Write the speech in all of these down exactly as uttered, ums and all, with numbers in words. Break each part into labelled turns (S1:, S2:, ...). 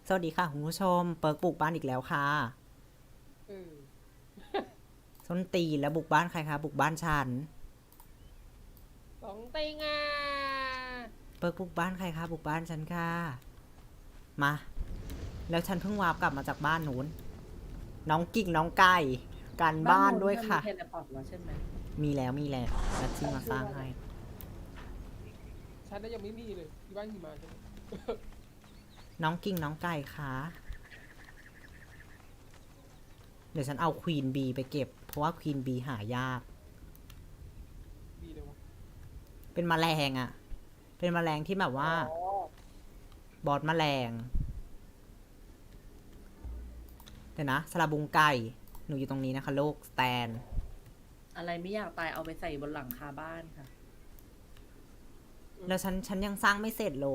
S1: สวัสดีค่ะคุณผู้ชมเปิร์กบุกบ้านอีกแล้วค่ะ
S2: เออ
S1: ส้นตีนแล้วบุกบ้านใครคะบุกบ้านฉัน
S2: สองเต็งอ่ะ
S1: เปิร์กบุกบ้านใครคะบุกบ้านฉันค่ะมาแล้วฉันเพิ่งวาร์ปกลับมาจากบ้านนู้นน้องกิ่งน้องไก่การ
S3: บ้าน
S1: บ้าน
S3: โน้นเธอมี
S1: ด้วยค่ะ
S3: เทเลพอร์ตแล้วใช่ไหม
S1: มีแล้วมีแล้วแล้วที่มาสร้างให้
S2: ฉันน่ะยังไม่มีเลยที่บ้านหิมะใช่ไหม
S1: น้องกิ่งน้องไก่ค่ะเดี๋ยวฉันเอาควีนบีไปเก็บเพราะว่าควีนบีหายาก
S2: ดีเลยวะ
S1: เป็นแมลงอะเป็นแมลงที่แบบว่า
S2: อ๋อบ
S1: อสแมลงเดี๋ยวนะสลาบุงไก่หนูอยู่ตรงนี้นะคะโลกสแตน
S3: อะไรไม่อยากตายเอาไปใส่บนหลังคาบ้านค่ะ
S1: แล้วฉันฉันยังสร้างไม่เสร็จเลย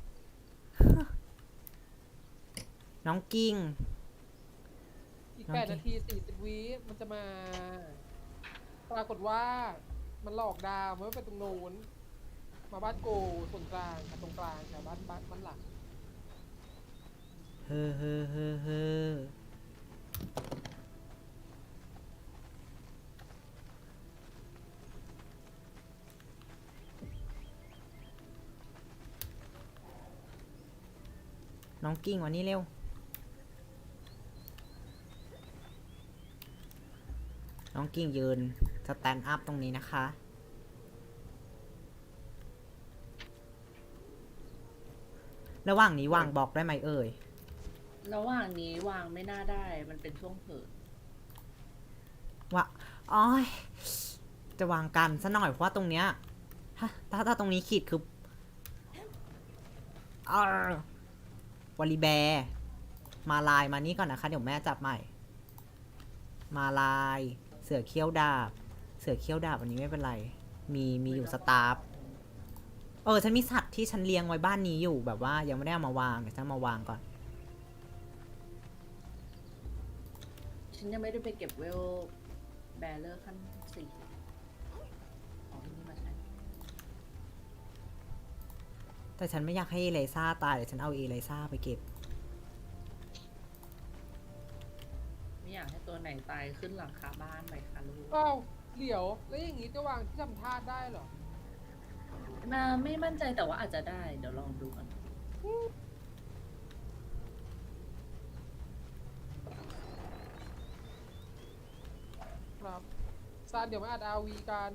S1: น้องกิ้ง
S2: อีก
S1: น้อง
S2: แปด
S1: กิ๊
S2: นาก ทีสี่สิบวิมันจะมา ปรากฏว่ามันหลอกดาวมันไม่ไปตรงโน้นมาบ้านโกส่วนกลางค่ะตรงกลางค่ะบ้านบ้านบ้านหลัก
S1: เฮ้อเฮ้อเฮ้อเฮ้อน้องกิ้งวันนี้เร็ว น้องกิ้งยืนสแตนด์อัพตรงนี้นะคะ ระหว่างนี้วางบล็อกได้ไหมเอ่ย
S3: ระหว่างนี้วางไม่น่าได้มันเป็นช่วงเผิด
S1: ว่าอ้อยจะวางกันซะหน่อยเพราะว่าตรงเนี้ยถ้าถ้าถ้าตรงนี้ขีดคืออาววอลลีแบร์มาลายมานี่ก่อนนะคะ เดี๋ยวแม่จับใหม่ มาลาย เสือเขี้ยวดาบ เสือเขี้ยวดาบอันนี้ไม่เป็นไร มีมีอยู่สตาฟเออฉันมีสัตว์ที่ฉันเลี้ยงไว้บ้านนี้อยู่แบบว่ายังไม่ได้เอามาวางเดี๋ยวฉันมาวางก่อน
S3: ฉันยังไม่ได้ไปเก็บเวลแบลเลอร์ขั้นสี่อ๋อนี่มาใช้
S1: แต่ฉันไม่อยากให้เอเลซ่าตายเดี๋ยวฉันเอาเอเลซ่าไปเก็บ
S3: ไม่อยากให้ตัวไหนตายขึ้นหลังคาบ้านไปค่ะลูก
S2: อ้าวเดี๋ยวแล้วอย่างงี้จะวางที่ทำท่าได้เหรอ
S3: มาไม่มั่นใจแต่ว่าอาจจะได้เดี๋ยวลองดูก่อน
S2: ครับซานเดี๋ยวมาอัดอาวีกัน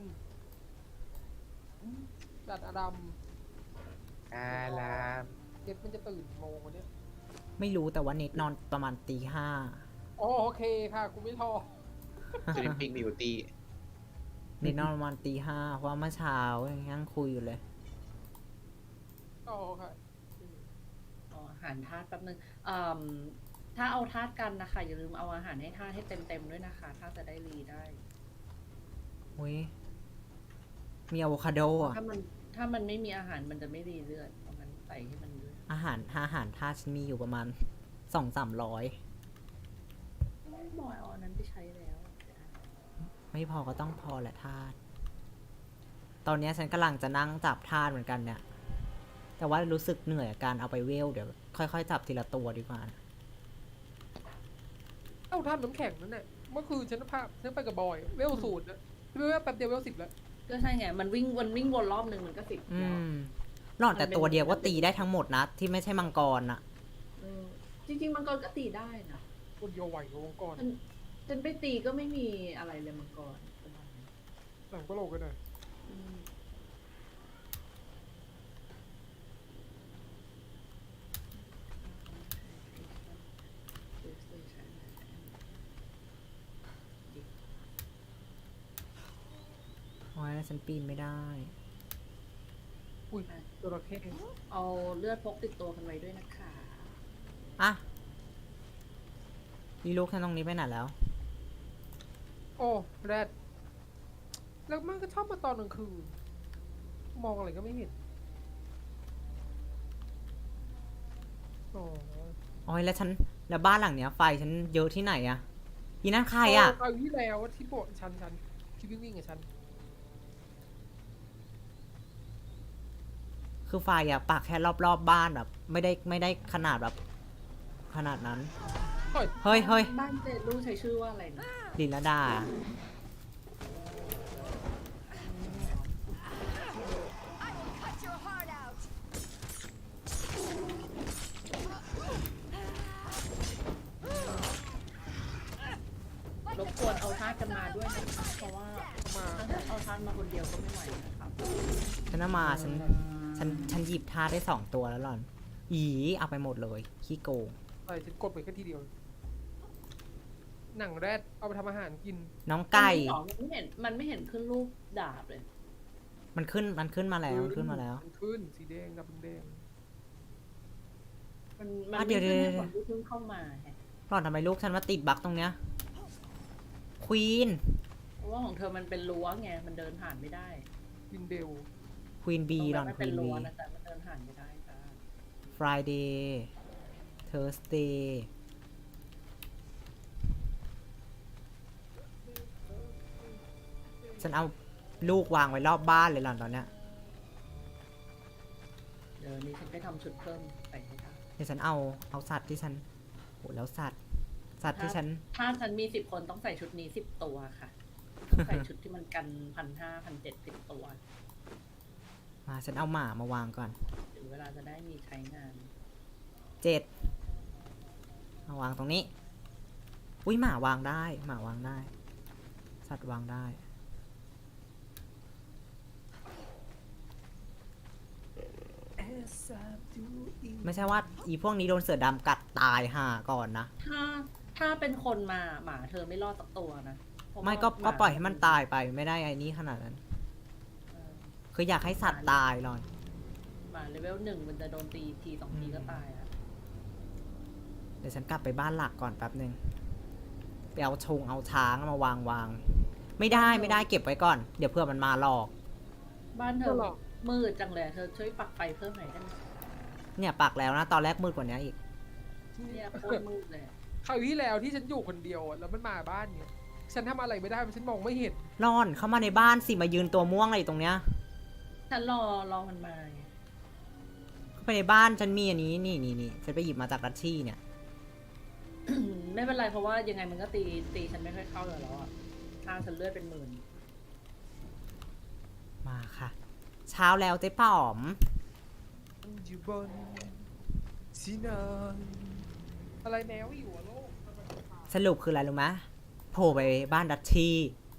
S2: ดัดอดัม
S4: อาราม
S2: เด็ดมันจะตื่นกี่โมงวันเนี้ย
S1: ไม่รู้แต่ว่าเน็ตนอนประมาณตีห้า
S2: อ๋อโอเคค่ะกูไม่ทอ
S4: สลิปปิ้งบิวตี้
S1: เน็ตนอนประมาณตีห้าเพราะว่าเมื่อเช้ายังนั่งคุยอยู่เลย
S2: อ๋อค่ะ
S3: อ๋ออาหารธาตุแป๊บนึงอืมถ้าเอาธาตุกันนะคะอย่าลืมเอาอาหารให้ธาตุให้เต็มเต็มๆด้วยนะคะถ้าจะได้รีได้
S1: อุ้ยมีอะโวคาโดอ่ะ
S3: ถ้ามันถ้ามันไม่มีอาหารมันจะไม่รีเลือดเพราะงั้นใส่ให้มันด้วย
S1: อาหารอาหารท่าฉันมีอยู่ประมาณสองสามร้อย
S3: บอยเอาอันนั้นไปใช้แล้ว
S1: ไม่พอก็ต้องพอแหละทาสตอนนี้ฉันกำลังจะนั่งจับทาสเหมือนกันเนี่ย แต่ว่ารู้สึกเหนื่อยกับการเอาไปเวลเดี๋ยวค่อยๆจับทีละตัวดีกว่านะ
S2: เอ้าทำน้ำแข็งนั่นแหละเมื่อคืนฉันพาฉันไปกับบอยเวลศูนย์นะพี่เวลแป๊บเดียวเวลสิบแล้ว
S3: ก็ใช่ไง มันวิ่งวนวิ่งวนรอบหนึ่งมันก็สิบ
S1: อื
S3: แล้ว
S1: มหลอดแต่ตัวเดียวก็ตีได้ทั้งหมดนะ ที่ไม่ใช่มังกรนะ
S3: อืมจริงๆมังกรก็ตีได้นะ
S2: คนเดียวไหวกับวงกร
S3: ฉันฉันไปตีก็ไม่มีอะไรเลยมังกร
S2: หลังก็โลกกันหน่อย
S3: อืมดิ
S1: โอ้ยแล้วฉันปีนไม่ได้
S2: อุ้ยจระเข้
S3: เอาเลือดพกติดตัวกันไว้ด้วยนะคะ
S1: อ่ะอีลูกฉันตรงนี้ไปไหนแล้ว
S2: โอ้แรดแล้วมันก็ชอบมาตอนกลางคืนมองอะไรก็ไม่เห็นอ๋อ
S1: โอ้ยแล้วฉันแล้วบ้านหลังเนี้ยไฟฉันเยอะที่ไหนอะอีนั่นใครอะ
S2: เอาที่แล้วที่โบสฉันฉันที่วิ่งวิ่งกับฉัน
S1: คือไฟอะปักแค่รอบๆบบ้านแบบไม่ได้ไม่ได้ขนาดแบบขนาดนั้น
S2: เฮ้ย
S1: เฮ้ยเฮ้ย
S3: บ้านเจลูกใช้ชื่อว่าอะไรนะ
S1: ลินลดา
S3: รบกวนเอาทาสกันมาด้วยนะคะเพราะว่า
S2: มา
S3: ถ้าเอาทาสมาคนเดียวก็ไม่ไหวนะครับ
S1: ฉันเอามาฉันฉันฉันหยิบท่าได้สองตัวแล้วหล่อน อีเอาไปหมดเลยขี้โกง
S2: เอ้ยฉันกดไปแค่ทีเดียว หนังแรดเอาไปทำอาหารกิน
S1: น้องไก่
S3: มันไม่เห็นมันไม่เห็นขึ้นรูปดาบเลย
S1: มันขึ้นมันขึ้นมาแล้วมันขึ้นมาแล้ว
S2: มันขึ้นสีแดงกับแดง
S3: มันมัน
S1: อ่ะ
S3: ไม่
S1: เดี๋ยว
S3: ขึ้น
S1: เดี๋ยว
S3: ให้คนที่เพิ่งเข้ามาแฮะ
S1: หล่อนทำไมลูกฉันมาติดบั๊กตรงเนี้ยควีน
S3: เพราะว่าของเธอมันเป็นรั้วไงมันเดินผ่านไม่ได้
S2: วินเดล
S1: ควีนบีหล่อน
S3: มัน
S1: ค
S3: เป็
S1: วี
S3: น
S1: น
S3: รั้
S1: บี
S3: วนะแต่มันเดินผ่านไม่ได้ค่ะ
S1: Friday Thursday ฉันเอาลูกวางไว้รอบบ้านเลยหล่อนตอนเนี้ย
S3: เดี๋ยวนี้ฉันไปทำชุดเพิ่มใส่ให้ค่ะ
S1: เดี๋ยวฉันเอาเอาสัตว์ที่ฉันโหแล้วสัตว์ สัตว์ที่ฉัน
S3: ถ้าฉันมีสิบคนต้องใส่ชุดนี้สิบตัวค่ะต้องใส่ชุดที่มันกันพันห้าพันเจ็ดสิบตัว
S1: มาฉันเอาหมามาวางก่อน
S3: ถึงเวลาจะได้มีใช้งาน
S1: เจ็ดมาวางตรงนี้ อุ้ยหมาวางได้ หมาวางได้ สัตว์วางได้ ไม่ใช่ว่าอีพวกนี้โดนเสือดำกัดตายห่าก่อนนะ
S3: ถ้าถ้าเป็นคนมาหมาเธอไม่รอดสักตัวนะเพราะว่า
S1: ไม่ก็
S3: หา
S1: ก็ปล่อยให้มันตายไปไม่ได้ไอ้นี้ขนาดนั้น
S3: เออ
S1: คืออยากให้สัตว์ตายหรอน
S3: หมาเลเวลหนึ่งมันจะโดนตีทีสองทีก็ตายแล้ว
S1: เดี๋ยวฉันกลับไปบ้านหลักก่อนแป๊บหนึ่งไปเอาชงเอาช้างมาวางวาง ไม่ได้ไม่ได้เก็บไว้ก่อน เดี๋ยวเพื่อมันมาหลอก
S3: บ้านเธ
S2: ก็
S3: อ
S2: หรอก
S3: มืดจังเลยเธอช่วยปักไฟเพิ่มหน่อยได้ไหม
S1: เนี่ยปักแล้วนะ ตอนแรกมืดกว่านี้อีก
S3: เนี่ยโคตรมืดเลย
S2: คราวที่แล้วที่ฉันอยู่คนเดียวอะแล้วมันมาบ้านเนี่ยฉันทำอะไรไม่ได้เพราะฉันมองไม่เห็น
S1: ร่อนเข้ามาในบ้านสิมายืนตัวม่วงอะไรอยู่ตรงเนี้ย
S3: ฉันรอรอมันมาไง
S1: เข้าไปในบ้านฉันมีอันนี้นี่นี่นี่ฉันไปหยิบมาจากดัชชี่เนี่ย
S3: ไม่เป็นไรเพราะว่ายังไงมันก็ตีตีฉันไม่ค่อยเข้าอยู่แล้วอ่ะทางฉันเลือดเป็นหมื่น
S1: มาค่ะ เช้าแล้วเจ๊ป๋อม
S2: อยู่บนสีนานอะไรแมวอยู่อะโลก
S1: สรุปคืออะไรรู้ไหมโผล่ไปบ้านดัชชี่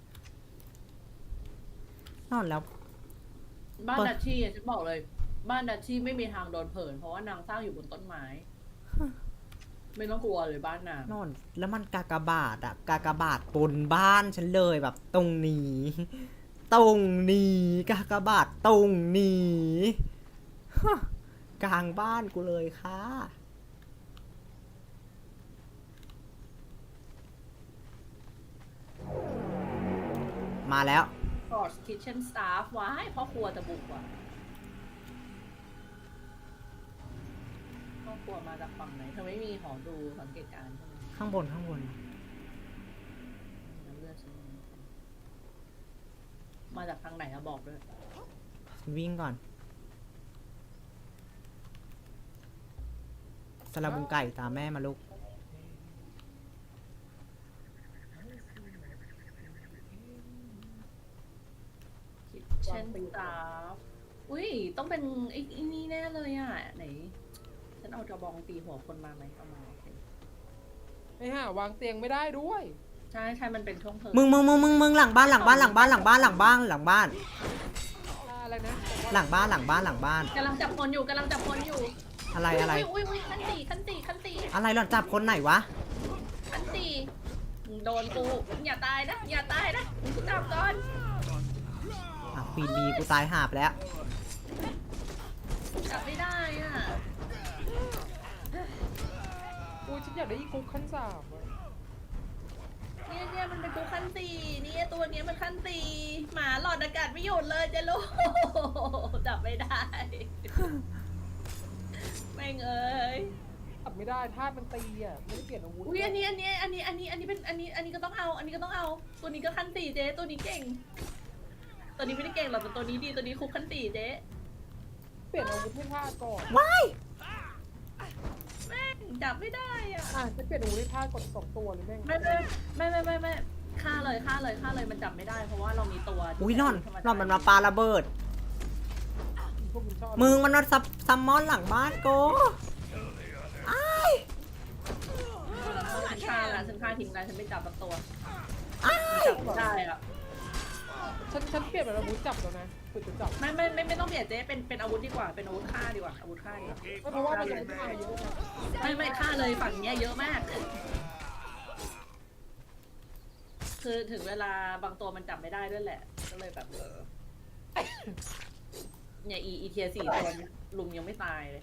S1: นอนแล้ว
S3: บ้าน
S1: เปิด
S3: ดัชชี่อะฉันบอกเลย บ้านดัชชี่ไม่มีทางโดนเผิน เพราะว่านางสร้างอยู่บนต้นไม้ ไม่ต้องกลัวเลยบ้านนาง
S1: นอนแล้วมันกากบาทอะกากบาทบนบ้านฉันเลยแบบตรงนี้ ตรงนี้กากบาทตรงนี้ฮะกลางบ้านกูเลยค่ะ มาแล้ว
S3: ฟอร์สคิทเช่นสตาฟว้ายพ่อครัวจะบุกว่ะพ่อครัวมาจากฝั่งไหนเธอไม่มีหอดูสังเกตการณ์ใช่ไหม
S1: ข้างบนข้างบน
S3: น้ำเลือดฉันมาจากทางไหนอะบอกด้วย
S1: ฉันวิ่งก่อนสลับบุงไก่ตามแม่มาลูก
S3: คิทเช่นสตาฟอุ้ยต้องเป็นไอ้ไอ้นี่แน่เลยอะไหน ฉันเอากระบองตีหัวคนมาไหมเอามาโอเค
S2: ไอ้ห่าวางเตียงไม่ได้ด้วย
S3: ใช่ใช่มันเป็นช่วงเพลิง
S1: มึงมึงมึงมึงมึงหลังบ้านหลังบ้านหลังบ้านหลังบ้านหลังบ้านหลังบ้าน
S2: อะไรนะ
S1: หลังบ้านหลังบ้านหลังบ้าน
S3: กำลังจับคนอยู่กำลังจับคนอยู่
S1: อะไรอะไร
S3: อุ้ยอุ้ยขั้นตีขั้นตีขั้นตี
S1: อะไรหล่อนจับคนไหนวะ
S3: ขั้นตีโดนกูอย่าตายนะอย่าตายนะกูจับก่อน
S1: อ่ะควีนบีกูตายหาบแล้ว
S3: จับไม่ได้อ่ะ
S2: กูฉันอยากได้อีกุ๊กขั้นสามอะ
S3: เนี่ยเนี่ยมันเป็นกูขั้นตีเนี่ยตัวเนี้ยมันขั้นตีหมาหลอดอากาศไม่หยุดเลยเจะลูกจับไม่ได้แม่งเอ้ย
S2: จับไม่ได้ธาตุมันตีอ่ะไม่ได้เปลี่ยนอาวุธ
S3: อุ้ยอันนี้อันนี้อันนี้อันนี้อันนี้เป็นอันนี้อันนี้ก็ต้องเอา อันนี้ก็ต้องเอา ตัวนี้ก็ขั้นตีเจ๊ตัวนี้เก่ง ตัวนี้ไม่ได้เก่งหรอกแต่ตัวนี้ดีตัวนี้คุกขั้นตีเจ๊
S2: เปลี่ยนอาวุธให้ธาตุก่อน
S3: แม่งจับจับไม่ได้อ่ะ
S2: อ่ะจะเปลี่ยนอาวุธให้ท่ากดสองตัวหรือแม่ง
S3: ไม่ไม่ไม่ไม่ไม่ไม่ฆ่าเลยฆ่าเลยฆ่าเลยมันจับไม่ได้เพราะว่าเรามีตัว
S1: อุ้ยนอนนอนมันมาปาระเบิด
S2: พวกมึงชอบ
S1: มึงมันมาซับซัมมอนหลังบ้านโกอ้าย
S3: ฉันฆ่าละฉันฆ่าทีมงานฉันไม่จับสักตัว
S1: อ้าย
S3: จับไม่ได้อ่ะ
S2: ฉันฉันเปลี่ยนเป็นอาวุธจับแล้วนะฝึกจะจับ
S3: ไม่ไม่ไม่ไม่ต้องเปลี่ยนเจ๊เป็นเป็นอาวุธดีกว่าเป็นอาวุธฆ่าดีกว่าอาวุธฆ่าดีกว่า
S2: ไม่เพราะว่ามันจะตายเยอะนะ
S3: ไม่ไม่ฆ่าเลยฝั่งเนี้ยเยอะมาก คือถึงเวลาบางตัวมันจับไม่ได้ด้วยแหละ ก็เลยแบบเออเนี่ยอีอีเทียสี่ตัวเนี่ยลุมยังไม่ตายเลย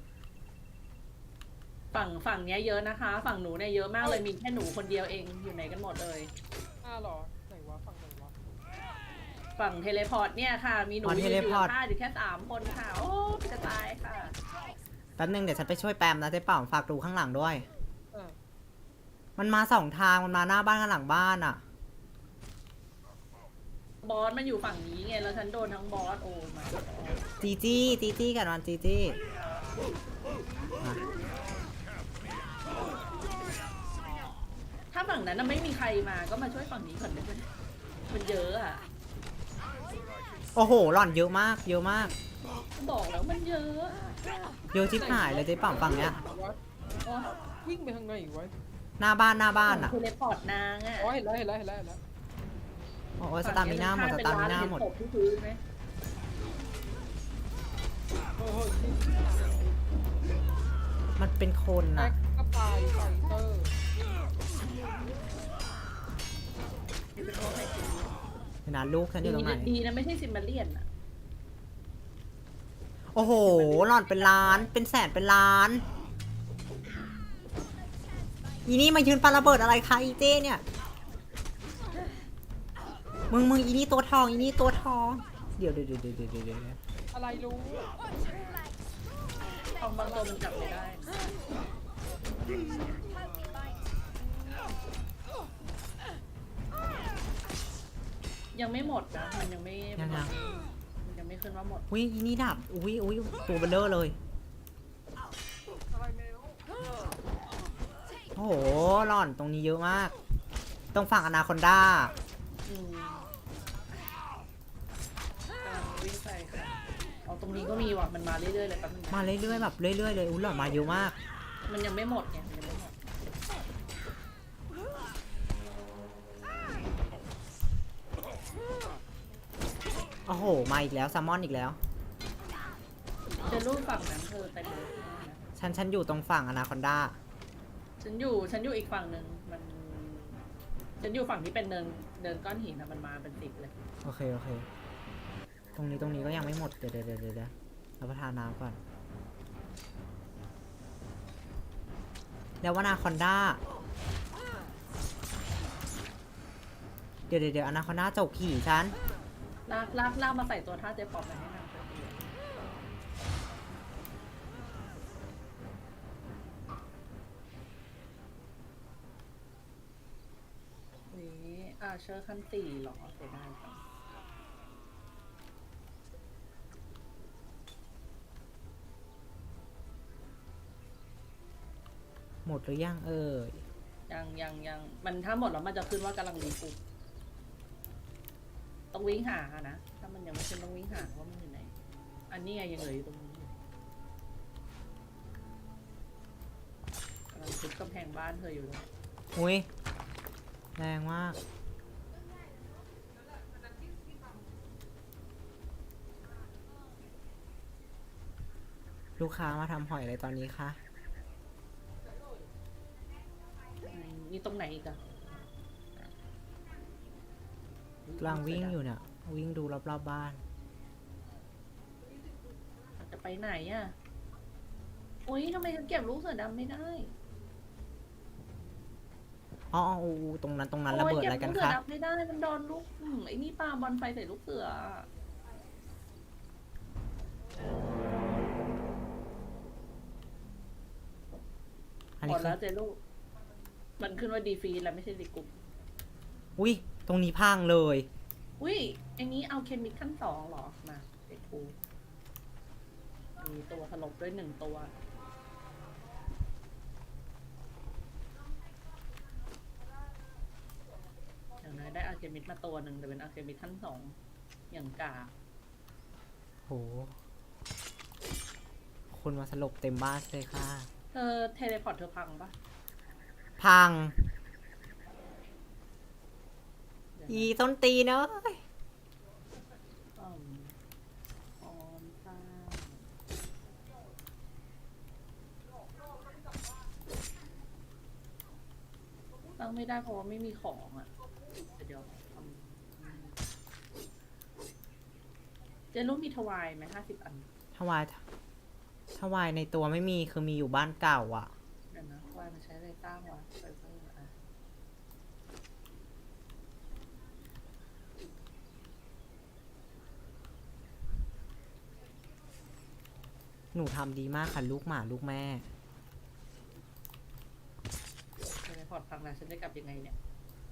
S3: ฝั่งฝั่งเนี้ยเยอะนะคะ ฝั่งหนูเนี่ยเยอะมากเลยมีแค่หนูคนเดียวเองอยู่ไหนกันหมดเลย
S2: อ้าวเหรอไหนวะฝั่งไหนวะ
S3: ฝั่งเทเลพอร์ตเนี่ยค่ะ มีหนูยืนอยู่ฆ่าอยู่แค่สามคนค่ะ โอ้จะตายค่ะ
S1: แป๊บนึงเดี๋ยวฉันไปช่วยแปมนะเจ๊เป่าฝากดูข้างหลังด้วย
S2: อ่ะ
S1: มันมาสองทางมันมาหน้าบ้านกับหลังบ้านอ่ะ
S3: บอสมันอยู่ฝั่งนี้ไงแล้วฉันโดนทั้งบอสโอ้มา
S1: จีจี้จีจี้กันวันจีจี้มา
S3: ถ้าฝั่งนั้นน่ะไม่มีใครมาก็มาช่วยฝั่งนี้ก่อนได้ไหมมันเยอะอ่ะ
S1: โอ้โหหล่อนเยอะมาก เยอะมาก
S3: บอกแล้วมันเยอะอะ
S1: เยอะชิบหายเลยเจ๊เป่าฝั่งเนี้ย
S2: วะ
S3: โอ้
S2: วิ่งไปทางไหนอีกวะ
S1: หน้าบ้านหน้าบ้านอ่ะ
S3: เทเลพอร์ตนางอ่ะ
S2: อ๋อเห็นแล้วเห็นแล้วเห็นแล้วเห็นแล้ว
S1: โอ้ยสตามิน่าหมดสตามิน่าหมด
S3: เห็นศพที่พื้นไหม
S2: เฮ้ยเฮ้ย
S1: มันเป็นคน
S2: แม็
S1: อ่ะ
S2: กก็ตายไฟเตอร์
S3: นี่เป็นโรคไข้ติด
S1: เห็นนะลูกฉันอยู่ตรงไหน
S3: ดีนะไม่ใช่ซิมเบเลียนอ่ะ
S1: โอ้โหหล่อนเป็นล้าน เป็นแสนเป็นล้าน อีนี่มายืนปาระเบิดอะไรคะอีเจ้เนี่ย มึงมึงอีนี่ตัวทองอีนี่ตัวทอง เดี๋ยวเดี๋ยวเดี๋ยวเดี๋ยวเดี๋ยวเดี๋ยว
S2: อะไรรู้
S3: ทองบางตัวมันจับไม่ได้ ยังไม่หมดนะ มันยังไม่
S1: ยังยัง
S3: มันยังไม่ขึ้นว่าหมด
S1: อุ้ยอีนี่ดับ อุ้ยอุ้ยตัวเบลเลอร์เลย
S2: อะไรแมว
S1: โอ้โหหล่อนตรงนี้เยอะมาก ตรงฝั่งอนาคอนดา
S3: อืมกำลังวิ่งไปค่ะเอาตรงนี้ก็มีว่ะ มันมาเรื่อยๆเลยแป๊บนึงนะ
S1: มาเรื่อยๆแบบเรื่อยๆเลยอุ้ยหล่อนมาเยอะมาก
S3: มันยังไม่หมดไงมันยังไม่หมด
S1: โอ้โห มาอีกแล้วแซลมอนอีกแล้ว
S3: เจอรูปฝั่งนั้นเธอไปเลยนะ
S1: ฉันฉันอยู่ตรงฝั่งอนาคอนดา
S3: ฉันอยู่ฉันอยู่อีกฝั่งหนึ่งมัน ฉันอยู่ฝั่งที่เป็นเนินเนินก้อนหินนะมันมาเป็นสิบเลย
S1: โอเคโอเค ตรงนี้ตรงนี้ก็ยังไม่หมด เดี๋ยวเดี๋ยวเดี๋ยวเดี๋ยวรับประทานน้ำก่อน แล้วอนาคอนดา เดี๋ยวเดี๋ยวเดี๋ยวอนาคอนดาจกขี่ฉัน
S3: ลากลากลากมาใส่ตัวท่าเจ๊ปอบมาให้นางเธอนี่อาเชอร์ขั้นสี่หรอเสียดายจัง
S1: หมดหรือยังเอ่ย
S3: ยังยังยังมันถ้าหมดแล้วมันจะขึ้นว่ากำลังรีฟูต้องวิ่งหาอะนะถ้ามันยังไม่ขึ้นต้องวิ่งหาว่ามันอยู่ไหน อันนี้ไงยังเหลืออยู่ตรงนี้อยู่กำลังทุบกำแพงบ้านเธออยู่เลย
S1: อุ้ยแรงมาก ลูกค้ามาทำหอยอะไรตอนนี้คะ
S3: อืมนี่ตรงไหนอีกอะ
S1: กำลังวิ่งอยู่เนี่ย วิ่งดูรอบๆบบ้าน
S3: จะไปไหนอะอุ้ยทำไมฉันเก็บลูกเสือดำไม่ได้
S1: อ๋ออ๋ออ๋อตรงนั้นตรงนั้นระเบิดอะไรกัน
S3: โยเก็บลูกเสื
S1: คะ
S3: อดำไม่ได้มันโดนลูกอืมไอ้นี่ปาบอลไฟใส่ลูกเสืออะ
S1: อัน
S3: หม
S1: นี้
S3: ด
S1: คื
S3: แล้
S1: อ
S3: วเจลูกมันขึ้นว่าดีฟีแล้วไม่ใช่ดีกลุ่ม
S1: อุ้ยตรงนี้พังเลย
S3: อุ้ยไอ้นี้เอาเคมิคขั้นสองเหรอ มาเด็กครูมีตัวถลบด้วยหนึ่งตัวเคมิดมาตัวหนึ่งแต่เป็นอาร์เคมิดขั้นสองอย่างกา
S1: โห คนมาสลบเต็มบ้านเลยค่ะ
S3: เธอเทเลพอร์ตเธอพังปะ
S1: พัง
S3: เดี๋ยวนะ
S1: อีต้นตีนเอ้ย
S3: อืมออมสร้างตั้งไม่ได้เพราะว่าไม่มีของอ่ะเดี๋ยวทำเจนรู้มีทวายไหมห้าสิบอัน
S1: ถวายถวายในตัวไม่มีคือมีอยู่บ้านเก่าอ่ะ
S3: เดี๋ยวนะทวายมันใช้อะไรสร้างวะไฟเบอร์อ่ะ
S1: หนูทำดีมากค่ะลูกหมาลูกแม่
S3: เทเลพอร์ตพังแล้วฉันจะกลับยังไงเนี่ย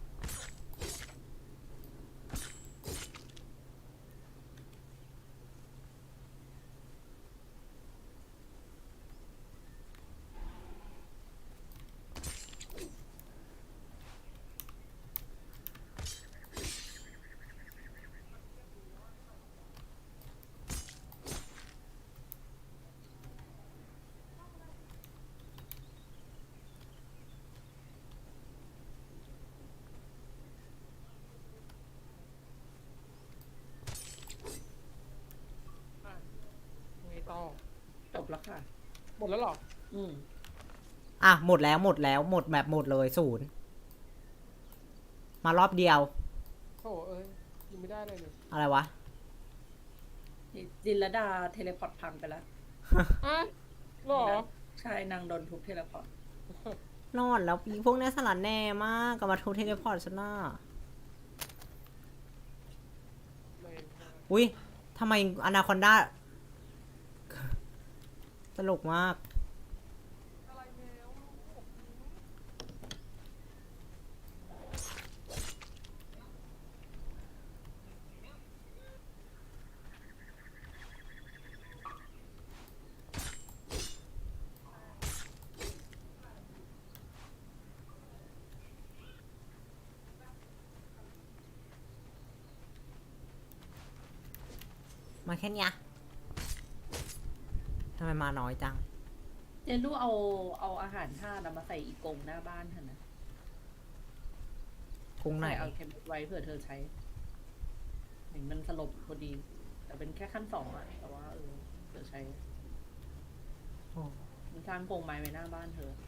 S2: อ่ะไงต่อ
S3: จบแล้วค่ะ
S2: หมดแล้วเหรอ
S3: อืม
S1: อ่ะ หมดแล้วหมดแล้วหมดแบบหมดเลยศูนย์ มารอบเดียว
S2: โถ่เอ้ยยังไม่ได้เลยเลย
S1: อะไรวะ
S3: จินลดาเทเลพอร์ตพังไปแล้ว
S2: อ่ะเหรอ
S3: ใช่นางโดนทุบเทเลพอร์ต
S1: รอดแล้วอีพวกเนี้ยสลัดแน่มากกับมาทุบเทเลพอร์ตฉันน่ะ
S2: แรงมาก
S1: อุ้ยทำไมอนาคอนด้า ตลกมาก
S2: อะไรแล้วลูก
S1: มาแค่เนี้ยทำไมมาน้อยจัง
S3: เจนรู้เอาเอาอาหารท่าตุมาใส่อีกกรงหน้าบ้านเถอะนะ
S1: กุ้งไหน
S3: ใส่เอาเค็มไว้เผื่อเธอใช้เห็นมันสลบพอดี แต่เป็นแค่ขั้นสองอะแต่ว่าเออเธอใช้
S1: โอ้
S3: มันสร้างกรงไม้ไว้หน้าบ้านเธอ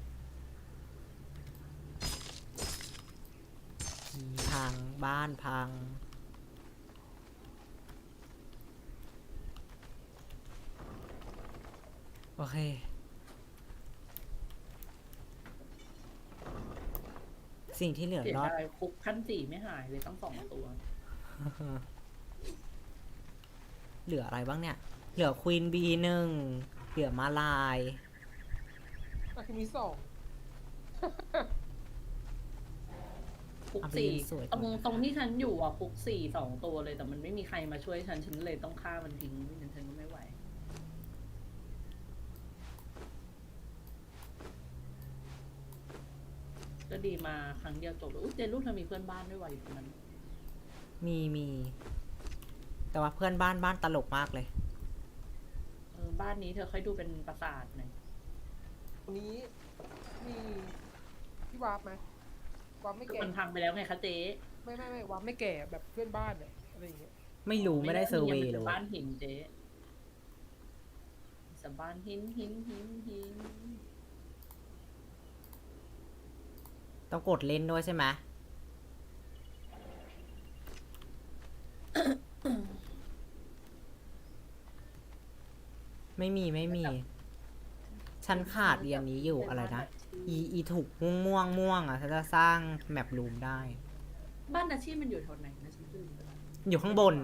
S1: พังบ้านพัง โอเค สิ่งที่เหลือ
S3: เสีย
S1: รอด
S3: ดายคุกขั้นสี่ไม่หายเลยตั้งสองตัว
S1: เหลืออะไรบ้างเนี่ย เหลือควีนบีหนึ่ง เหลือมาลาย
S2: อ่ะคือมีสอง
S3: คุก
S1: เอาไป
S3: สี่
S1: ยืนสวย
S3: ตรง
S1: ก่อน
S3: ตรงที่ฉันอยู่อ่ะคุกสี่สองตัวเลย แต่มันไม่มีใครมาช่วยฉันฉันเลยต้องฆ่ามันทิ้งไม่งั้นฉันก็ไม่ไหว ก็ดีมาครั้งเดียวจบเลยอุ๊ยเจนลูกเธอมีเพื่อนบ้านด้วยว่ะอยู่ตรงนั้น
S1: มีมี แต่ว่าเพื่อนบ้านบ้านตลกมากเลย
S3: เออบ้านนี้เธอค่อยดูเป็นปราสาทหน่อย
S2: วันนี้มีที่วาร์ปไหมวาร์ปไม่
S3: คือ
S2: แก่
S3: มันพังไปแล้วไงคะเจ๊
S2: ไม่ไม่ไม่วาร์ปไม่แก่แบบเพื่อนบ้านเนี่ยอะไรอย่างเงี้ย
S1: ไม่รู้ไม่ได้เซอร์เวย์
S3: มัน
S1: เล
S3: ป็น
S1: ย
S3: บ้านหินเจ๊สบ้านหินหินหินหิน
S1: ต้องกดเล่นด้วยใช่ไหม ไม่มีไม่มี ฉันขาดเรียนนี้อยู่อะไรนะ อีอีถูกม่วงม่วงม่วงอ่ะฉันจะสร้างแมปรูมได้
S3: บ้านอาชีพมันอยู่แถวไหนนะฉันลืมไปแล้ว
S1: อยู่ข้างบน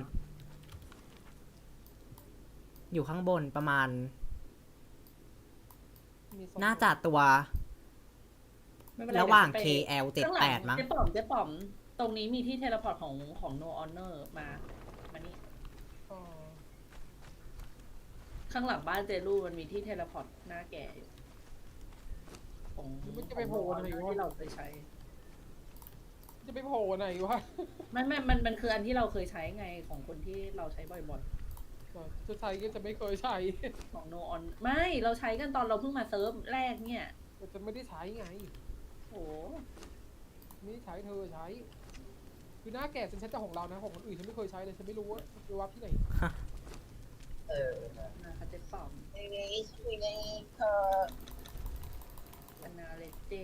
S1: อยู่ข้างบนประมาณ
S2: มีสอง
S1: น่าจะตัว
S3: ไม่เป็นไ
S1: ระหว่าง
S3: เดี๋ย
S1: เค
S3: ไป
S1: แอล เจ็ด
S3: ข้างห
S1: แป
S3: ลั
S1: ดมั้ง
S3: เจ๊ป๋อมเจ๊ป๋อม ตรงนี้มีที่เทเลพอร์ตของของ No Honor มามานี่
S2: อ๋อ
S3: ข้างหลังบ้านเจลูมันมีที่เทเลพอร์ตหน้าแก่อยู่ของ
S2: มันจะไปโผล่
S3: ของ
S2: อะไร
S3: No
S2: วะ
S3: Honor ที่เราเคยใช้
S2: จะจะไปโผล่ไหนวะ
S3: ไม่ไม่มันมันคืออันที่เราเคยใช้ไงของคนที่เราใช้บ่อย
S2: จะใช้ก็จะไม่เคยใช้
S3: ๆ ของ no on ไม่เราใช้กันตอนเราเพิ่งมาเซิร์ฟแรกเนี่ย
S2: แต่จะไม่ได้ใช้ไง
S3: โอ้
S2: ไม่ได้ใช้เธอใช้ คือหน้าแก่ฉันใช้แต่ของเรานะของคนอื่นฉันไม่เคยใช้เลยฉันไม่รู้ว่าไปว่าที่ไหน
S5: เออ
S3: นะคะเจ๊ป๋อม
S5: ในนี้คุยในเธอ
S3: นาเลเจ